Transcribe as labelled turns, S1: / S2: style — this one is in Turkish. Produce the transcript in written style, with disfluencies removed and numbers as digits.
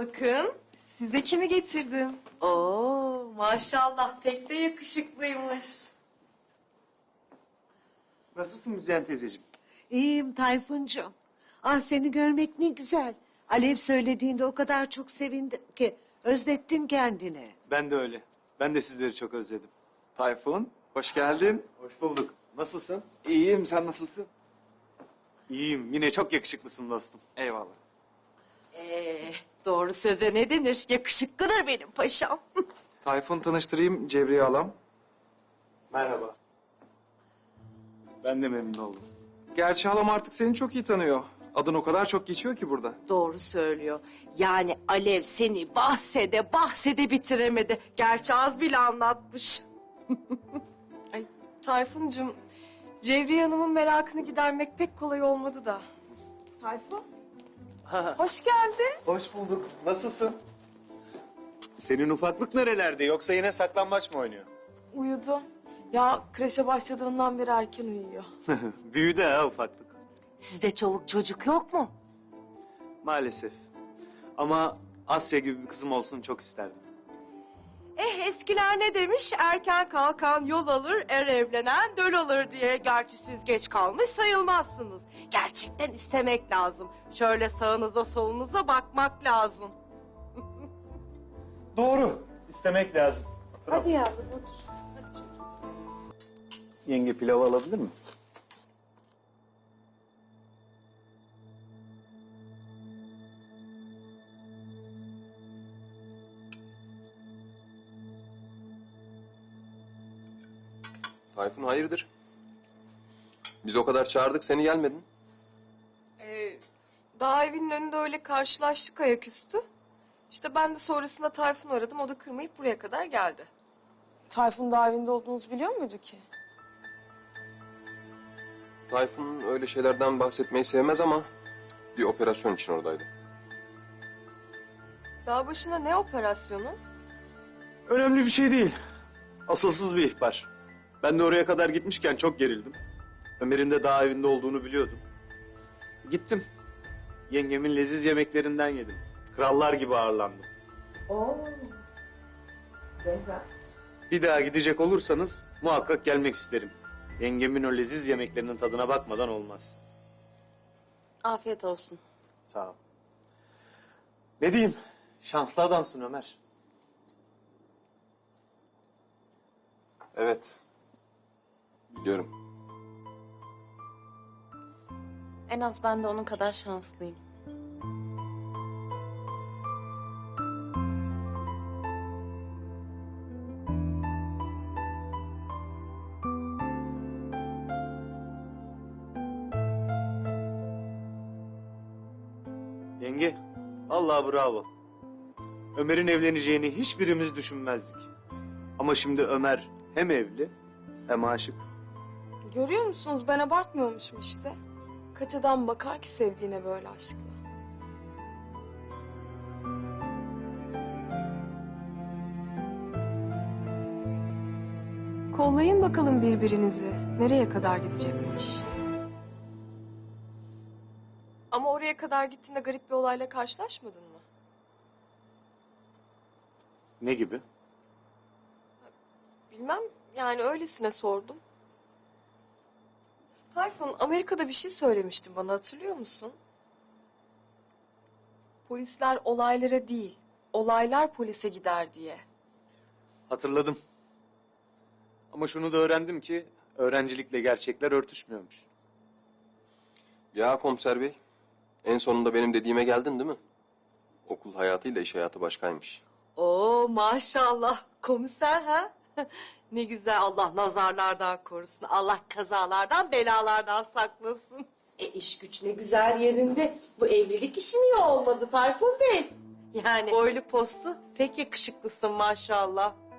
S1: Bakın size kimi getirdim.
S2: Oo maşallah pek de yakışıklıymış.
S3: Nasılsın Müzeyyen teyzeciğim?
S4: İyiyim Tayfuncuğum. Ah seni görmek ne güzel. Alev söylediğinde o kadar çok sevindim ki özlettin kendini.
S3: Ben de öyle. Ben de sizleri çok özledim. Tayfun, hoş geldin. Hoş bulduk. Nasılsın?
S5: İyiyim, sen nasılsın?
S3: İyiyim. Yine çok yakışıklısın dostum.
S5: Eyvallah.
S2: Doğru söze ne denir? Yakışıklıdır benim paşam.
S5: Tayfun tanıştırayım, Cevriye halam.
S3: Merhaba. Ben de memnun oldum.
S5: Gerçi halam artık seni çok iyi tanıyor. Adın o kadar çok geçiyor ki burada.
S2: Doğru söylüyor. Yani Alev seni bahsede bitiremedi. Gerçi az bile anlatmış.
S1: Ay Tayfuncuğum, Cevriye Hanım'ın merakını gidermek pek kolay olmadı da. Tayfun, hoş geldin.
S3: Hoş bulduk. Nasılsın? Senin ufaklık nerelerde? Yoksa yine saklambaç mı oynuyor?
S1: Uyudu. Ya kreşe başladığından beri erken uyuyor.
S3: Büyüdü ha ufaklık.
S2: Sizde çoluk çocuk yok mu?
S3: Maalesef. Ama Asya gibi bir kızım olsun çok isterdim.
S2: Eskiler ne demiş? Erken kalkan yol alır, er evlenen döl alır diye. Gerçi siz geç kalmış sayılmazsınız. Gerçekten istemek lazım. Şöyle sağınıza solunuza bakmak lazım.
S3: Doğru. İstemek lazım.
S4: Hadi yavrum otur. Hadi çocuğum.
S3: Yenge pilavı alabilir mi?
S6: Tayfun hayırdır? Biz o kadar çağırdık seni gelmedin.
S1: Daha evinin önünde öyle karşılaştık ayaküstü. İşte ben de sonrasında Tayfun'u aradım. O da kırmayıp buraya kadar geldi.
S7: Tayfun daha evinde olduğunuzu biliyor muydu ki?
S6: Tayfun öyle şeylerden bahsetmeyi sevmez ama bir operasyon için oradaydı.
S1: Dağ başına ne operasyonu?
S3: Önemli bir şey değil. Asılsız bir ihbar. Ben de oraya kadar gitmişken çok gerildim. Ömer'in de daha evinde olduğunu biliyordum. Gittim. Yengemin leziz yemeklerinden yedim. Krallar gibi ağırlandım. Bir daha gidecek olursanız muhakkak gelmek isterim. Yengemin o leziz yemeklerinin tadına bakmadan olmaz.
S1: Afiyet olsun.
S3: Sağ ol. Ne diyeyim? Şanslı adamsın Ömer.
S6: Evet. Biliyorum.
S1: En az ben de onun kadar şanslıyım.
S3: Yenge, vallahi bravo. Ömer'in evleneceğini hiçbirimiz düşünmezdik. Ama şimdi Ömer hem evli hem aşık.
S7: Görüyor musunuz? Ben abartmıyormuşum işte. Kaç adam bakar ki sevdiğine böyle aşkla.
S1: Kollayın bakalım birbirinizi. Nereye kadar gidecekmiş? Ama oraya kadar gittiğinde garip bir olayla karşılaşmadın mı?
S3: Ne gibi?
S1: Bilmem, yani öylesine sordum. Tayfun, Amerika'da bir şey söylemiştin bana, hatırlıyor musun? Polisler olaylara değil, olaylar polise gider diye.
S3: Hatırladım. Ama şunu da öğrendim ki öğrencilikle gerçekler örtüşmüyormuş.
S6: Ya komiser bey, en sonunda benim dediğime geldin değil mi? Okul hayatıyla iş hayatı başkaymış.
S2: Oo maşallah komiser ha? Ne güzel, Allah nazarlardan korusun. Allah kazalardan belalardan saklasın. İş güç ne güzel yerinde. Bu evlilik işi niye olmadı Tayfun Bey? Yani boylu postu pek yakışıklısın maşallah.